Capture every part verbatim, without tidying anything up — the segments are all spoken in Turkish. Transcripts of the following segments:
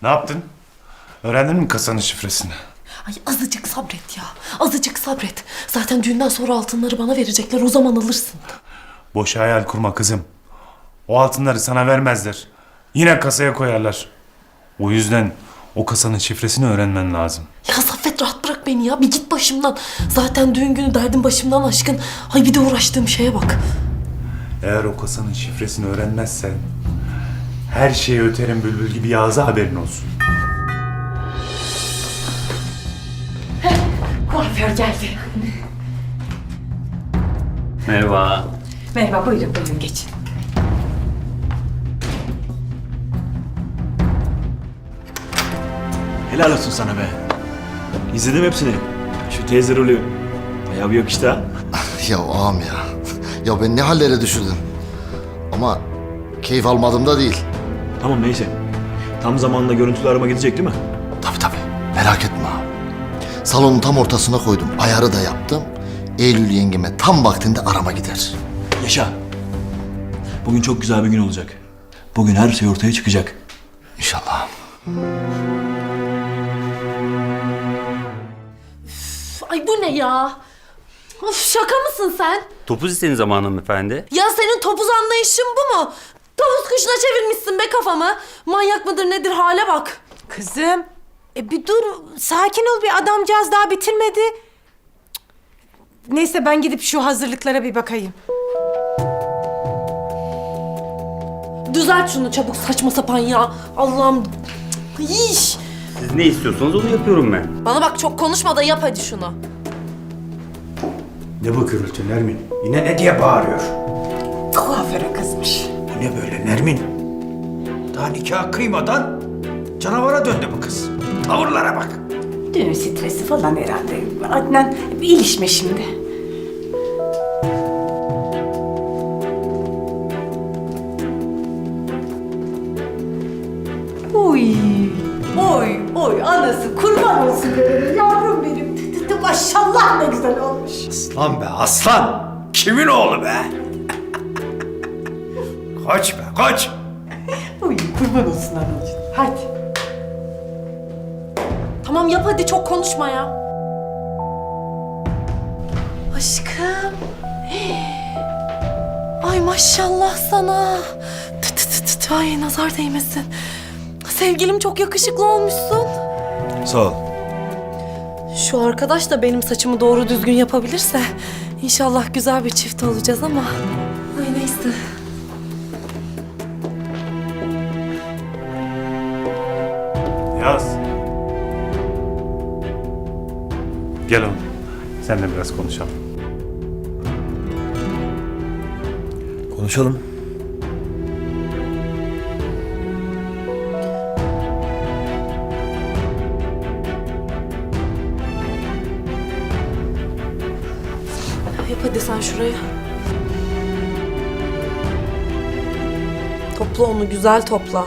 Ne yaptın? Öğrendin mi kasanın şifresini? Ay azıcık sabret ya. Azıcık sabret. Zaten düğünden sonra altınları bana verecekler. O zaman alırsın. Boş hayal kurma kızım. O altınları sana vermezler. Yine kasaya koyarlar. O yüzden o kasanın şifresini öğrenmen lazım. Ya Saffet rahat bırak beni ya. Bir git başımdan. Zaten düğün günü derdim başımdan aşkın. Ay bir de uğraştığım şeye bak. Eğer o kasanın şifresini öğrenmezsen her şeyi öterim bülbül gibi Yağız'a haberin olsun. Kuaför geldi. Merhaba. Merhaba, buyurun buyurun geçin. Helal olsun sana be. İzledim hepsini. Şu teyze rolü. Bayağı bir yakıştı ha. Ya ağam ya. Ya ben ne hallere düşürdüm. Ama keyif almadım da değil. Tamam neyse. Tam zamanında görüntülü arama gidecek değil mi? Tabii tabii. Merak etme ağam. Salonun tam ortasına koydum. Ayarı da yaptım. Eylül yengeme tam vaktinde arama gider. Yaşa. Bugün çok güzel bir gün olacak. Bugün her şey ortaya çıkacak. İnşallah. Ay bu ne ya? Of şaka mısın sen? Topuz isteğin zamanı hanımefendi. Ya senin topuz anlayışın bu mu? Tavus kuşuna çevirmişsin be kafamı. Manyak mıdır nedir hale bak. Kızım, e bir dur, sakin ol, bir adamcağız daha bitirmedi. Cık. Neyse ben gidip şu hazırlıklara bir bakayım. Düzelt şunu çabuk saçma sapan ya. Allah'ım. Cık, iş. Siz ne istiyorsanız onu yapıyorum ben. Bana bak çok konuşma da yap hadi şunu. Ne bu gürültü Nermin? Yine ne diye bağırıyor? Kuaföre kızmış. Bu ne böyle Nermin? Daha nikah kıymadan canavara döndü bu kız. Tavırlara bak. Düğün stresi falan herhalde. Adnan, bir ilişme şimdi. Oy, oy, oy, anası kurban olsun benim, yavrum benim. Tı tı tı, maşallah ne güzel olmuş. Aslan be aslan. Kimin oğlu be? Koç be koç. Oy, kurban olsun anacığım. Hadi. Tamam yap hadi çok konuşma ya. Aşkım. Ay maşallah sana. Tı tı tı tı tı. Ay nazar değmesin. Sevgilim çok yakışıklı olmuşsun. Sağ ol. Şu arkadaş da benim saçımı doğru düzgün yapabilirse inşallah güzel bir çift olacağız ama. Ay neyse. Yaz. Gel oğlum. Seninle biraz konuşalım. Konuşalım. Yap hadi sen şuraya. Topla onu güzel topla.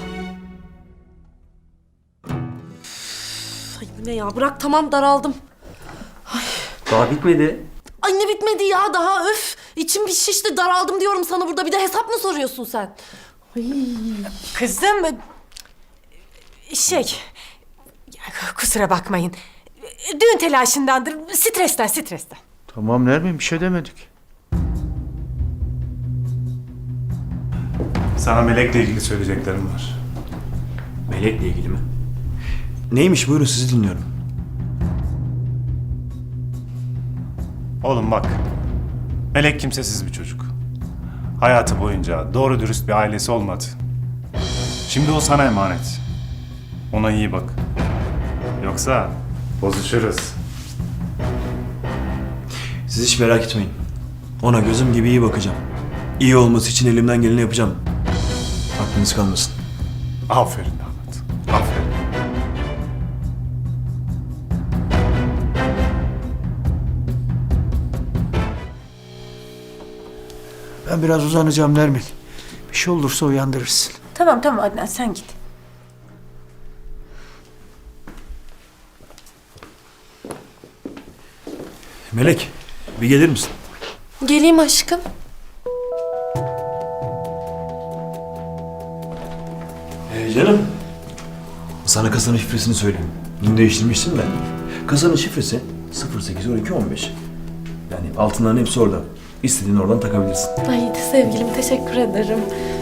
Ay bu ne ya bırak tamam daraldım. Daha bitmedi. Ay ne bitmedi ya daha öf. İçim bir şişti daraldım diyorum sana burada bir de hesap mı soruyorsun sen? Ay. Kızım, e, şey, ya, kusura bakmayın. Düğün telaşındandır, stresten, stresten. Tamam Nermin bir şey demedik. Sana Melek'le ilgili söyleyeceklerim var. Melek'le ilgili mi? Neymiş buyurun sizi dinliyorum. Oğlum bak. Melek kimsesiz bir çocuk. Hayatı boyunca doğru dürüst bir ailesi olmadı. Şimdi o sana emanet. Ona iyi bak. Yoksa bozuşuruz. Siz hiç merak etmeyin. Ona gözüm gibi iyi bakacağım. İyi olması için elimden geleni yapacağım. Aklınız kalmasın. Aferin damat. Aferin. Ben biraz uzanacağım Nermin. Bir şey olursa uyandırırsın. Tamam tamam Adnan, sen git. Melek, bir gelir misin? Geleyim aşkım. Ee, canım, Sana kasanın şifresini söyleyeyim. Dün değiştirmiştim de. Kasanın şifresi sıfır sekiz on iki on beş. Yani altınların hepsi orada. İstediğini oradan takabilirsin. Ay sevgilim teşekkür ederim.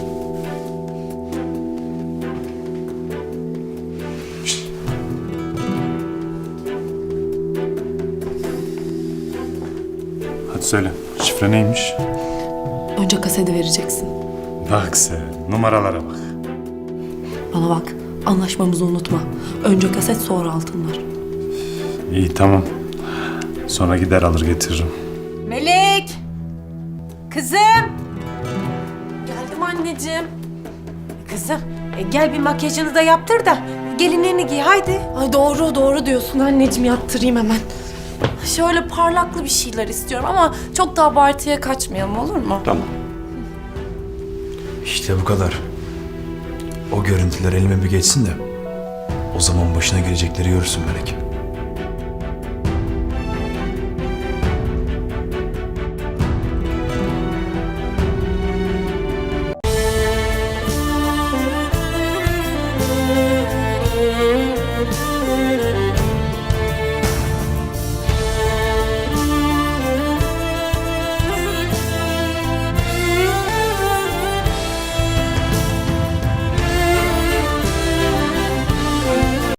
Hadi söyle. Şifre neymiş? Önce kaseti vereceksin. Bak sen. Numaralara bak. Bana bak, anlaşmamızı unutma. Önce kaset sonra altınlar. İyi tamam. Sonra gider alır getiririm. Melek! Kızım! Geldim anneciğim. Kızım e, gel bir makyajını da yaptır da gelinliğini giy haydi. Ay doğru doğru diyorsun anneciğim, yaptırayım hemen. Şöyle parlaklı bir şeyler istiyorum ama çok da abartıya kaçmayalım, olur mu? Tamam. İşte bu kadar. O görüntüler elime bir geçsin de o zaman başına gelecekleri görürsün Melek.